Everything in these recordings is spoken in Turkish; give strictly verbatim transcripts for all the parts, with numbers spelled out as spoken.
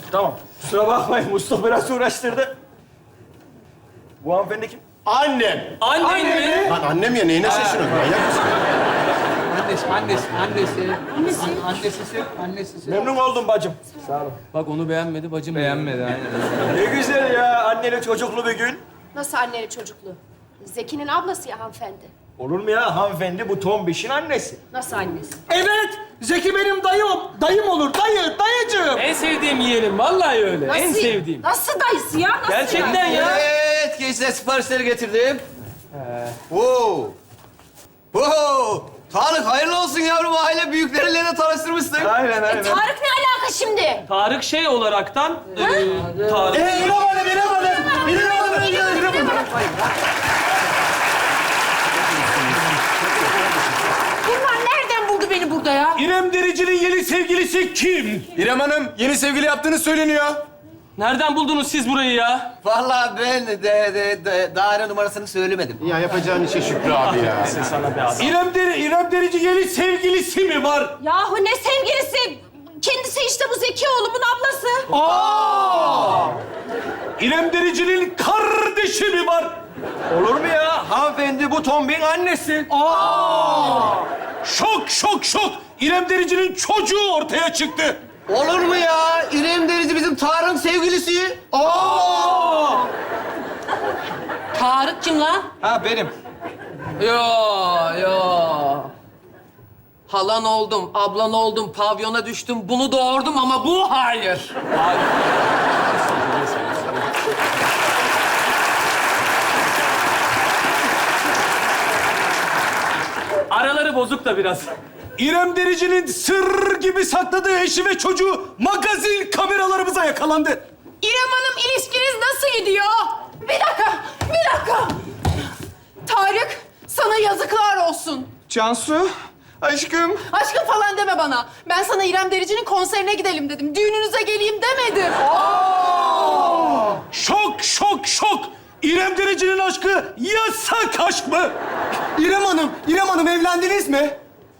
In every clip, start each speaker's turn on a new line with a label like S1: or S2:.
S1: Tamam. Kusura bakmayın. Mustafa biraz uğraştırdı. Bu hanımefendi kim?
S2: Annem.
S3: Annen mi?
S2: Lan annem ya neyine şaşırıyorsun? Manyak mısın?
S4: Annesi, annesi, annesi. Annesi. Annesi, annesi.
S1: Memnun oldum bacım.
S4: Bak onu beğenmedi, bacım beğenmedi. Aynen.
S1: Ne güzel ya. Anneli çocuklu bir gün.
S5: Nasıl anneli çocuklu? Zeki'nin ablası ya hanımefendi.
S1: Olur mu ya? Hanımefendi bu tombişin annesi.
S5: Nasıl annesi?
S6: Evet, Zeki benim dayım. Dayım olur, dayı, dayıcığım.
S3: En sevdiğim yeğenim. Vallahi öyle.
S5: Nasıl,
S3: En sevdiğim.
S5: Nasıl dayısı ya? Nasıl
S3: Gerçekten
S5: ya?
S3: ya.
S4: Evet, gençler siparişleri getirdim.
S2: Wow. Wow. Tarık hayırlı olsun yavrum. Aile büyükleriyle de tanıştırmışsın.
S1: Aynen
S5: E,
S1: aynen.
S5: Tarık ne alaka şimdi?
S3: Tarık şey olaraktan... E, Tarık.
S1: Ee, İrem Hanım, İrem Hanım. İrem Hanım, İrem Hanım.
S5: Bunlar nereden buldu beni burada ya?
S3: İrem Derici'nin yeni sevgilisi kim?
S2: İrem Hanım yeni sevgili yaptığını söyleniyor.
S3: Nereden buldunuz siz burayı ya?
S4: Vallahi ben de, de, de daire numarasını söylemedim.
S2: Ya yapacağın işe Şükrü abi ya.
S3: Sana be adam. İrem, Deri, İrem Derici yeni sevgilisi mi var?
S5: Yahu ne sevgilisi? Kendisi işte bu Zeki oğlumun ablası.
S3: Aa! İrem Derici'nin kardeşi mi var?
S1: Olur mu ya? Hanımefendi bu tombin annesi.
S3: Aa! Şok, şok, şok! İrem Derici'nin çocuğu ortaya çıktı.
S4: Olur mu ya? İrem Derici bizim Tarık'ın sevgilisi.
S3: Aa!
S4: Tarık kim lan?
S1: Ha benim.
S7: Yo, yo. Halan oldum, ablan oldum, pavyona düştüm, bunu doğurdum ama bu hayır.
S3: Araları bozuk da biraz. İrem Derici'nin sır gibi sakladığı eşi ve çocuğu magazin kameralarımıza yakalandı.
S5: İrem Hanım ilişkiniz nasıl gidiyor? Bir dakika, bir dakika. Tarık, sana yazıklar olsun.
S6: Cansu, aşkım.
S5: Aşkım falan deme bana. Ben sana İrem Derici'nin konserine gidelim dedim. Düğününüze geleyim demedim.
S3: Şok, şok, şok! İrem Derici'nin aşkı yasak aşk mı?
S6: İrem Hanım, İrem Hanım evlendiniz mi?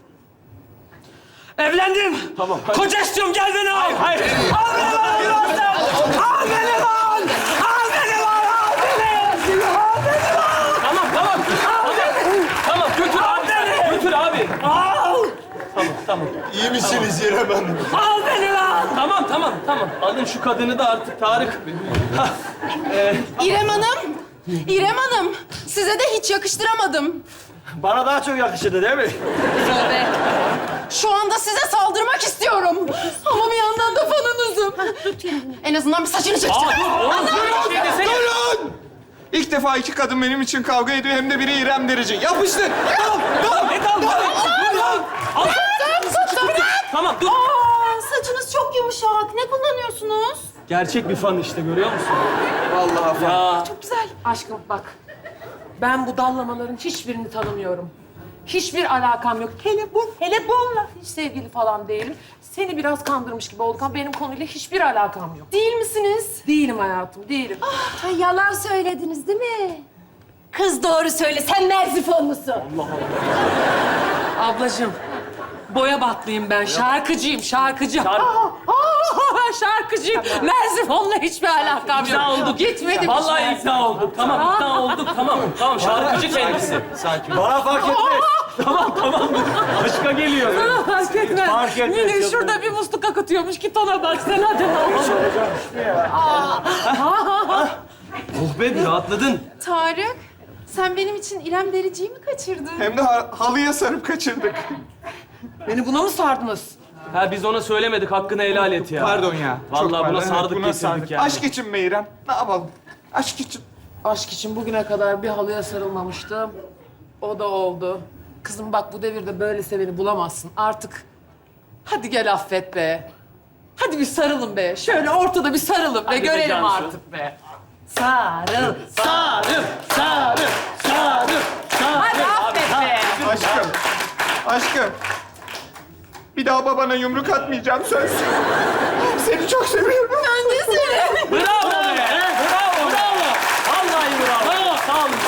S3: Evlendim. Tamam. Koca istiyorum, gel beni al. Hayır, hayır. Al beni lan! Al beni lan! Al beni lan! Al beni! Al beni lan! Tamam, tamam. Al beni! Tamam, götür abi. Götür abi. Al! Tamam, tamam.
S2: İyi misiniz İrem Hanım?
S3: Al beni lan! Tamam, tamam, tamam. Alın şu kadını da artık Tarık. Hah, ee,
S5: İrem Hanım, İrem Hanım. Size de hiç yakıştıramadım.
S1: Bana daha çok yakışırdı değil mi?
S5: Tövbe. Şu anda size saldırmak istiyorum. Ama bir yandan da fanınızım. En azından bir saçını
S3: aa,
S5: çekeceğim.
S3: dur, oğlum, dur, şey desene.
S6: Durun! İlk defa iki kadın benim için kavga ediyor, hem de biri İrem Derici. Yapıştır! Dal, dal!
S3: Ne dal? Dur lan! Al. Tamam, dur.
S5: Aa, saçınız çok yumuşak. Ne kullanıyorsunuz?
S3: Gerçek bir fan işte, görüyor musun?
S6: Vallahi
S3: Ya.
S5: Çok güzel.
S7: Aşkım bak, ben bu dallamaların hiçbirini tanımıyorum. Hiçbir alakam yok. Hele bu, hele bununla hiç sevgili falan değilim. Seni biraz kandırmış gibi olduk ama benim konuyla hiçbir alakam yok.
S5: Değil misiniz?
S7: Değilim hayatım, değilim.
S5: Ha, yalan söylediniz değil mi? Kız doğru söyle. Sen merzifonlusun.
S7: Ablacığım, boya batlıyım ben. Şarkıcıyım, şarkıcı.
S3: Şarkı-
S7: Aa, şarkıcıyım. Merzifon'la hiçbir alakam yok.
S3: İkna olduk.
S7: Gitmedim.
S3: Vallahi ikna olduk. Tamam, ikna olduk. Tamam, tamam. Şarkıcı kendisi.
S1: Sakin. Bana fark etmez.
S3: Tamam, tamam. Başka geliyor.
S7: Aa, fark etmez.
S1: Fark etmez,
S7: Yine
S1: yok.
S7: şurada bir musluk akıtıyormuş. Git ona bak sen hadi.
S3: Oh be, bir rahatladın.
S5: Tarık, sen benim için İrem Derici'yi mi kaçırdın?
S6: Hem de ha- halıya sarıp kaçırdık.
S7: Beni buna mı sardınız?
S3: Ha, biz ona söylemedik. Hakkını helal et ya.
S6: Pardon ya.
S3: Vallahi
S6: çok
S3: buna
S6: pardon.
S3: sardık,
S6: Buna
S3: getirdik
S6: sardık.
S3: yani.
S6: Aşk için mi İrem? Ne yapalım? Aşk için.
S7: Aşk için bugüne kadar bir halıya sarılmamıştım. O da oldu. Kızım bak bu devirde böyle seveni bulamazsın. Artık hadi gel affet be. Hadi bir sarılın be. Şöyle ortada bir sarılın be.
S3: Hadi be
S7: Görelim
S3: Cansu.
S7: artık be. Sarıl.
S3: Sarı, sarı, sarı, sarı.
S7: Hadi affet be.
S6: Aşkım. Aşkım. Bir daha babana yumruk atmayacağım söz. Seni çok seviyorum.
S5: Ben de seni.
S3: Bravo be. Bravo, bravo. Vallahi bravo. Sağ olun.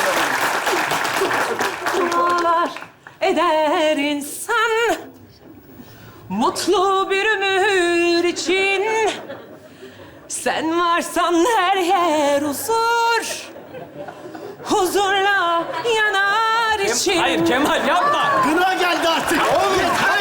S7: Dualar eder insan mutlu bir ömür için
S3: Sen varsan her yer huzur. Huzurla yanar içim.
S1: Hayır Kemal yapma.
S4: Gına geldi artık. Yeter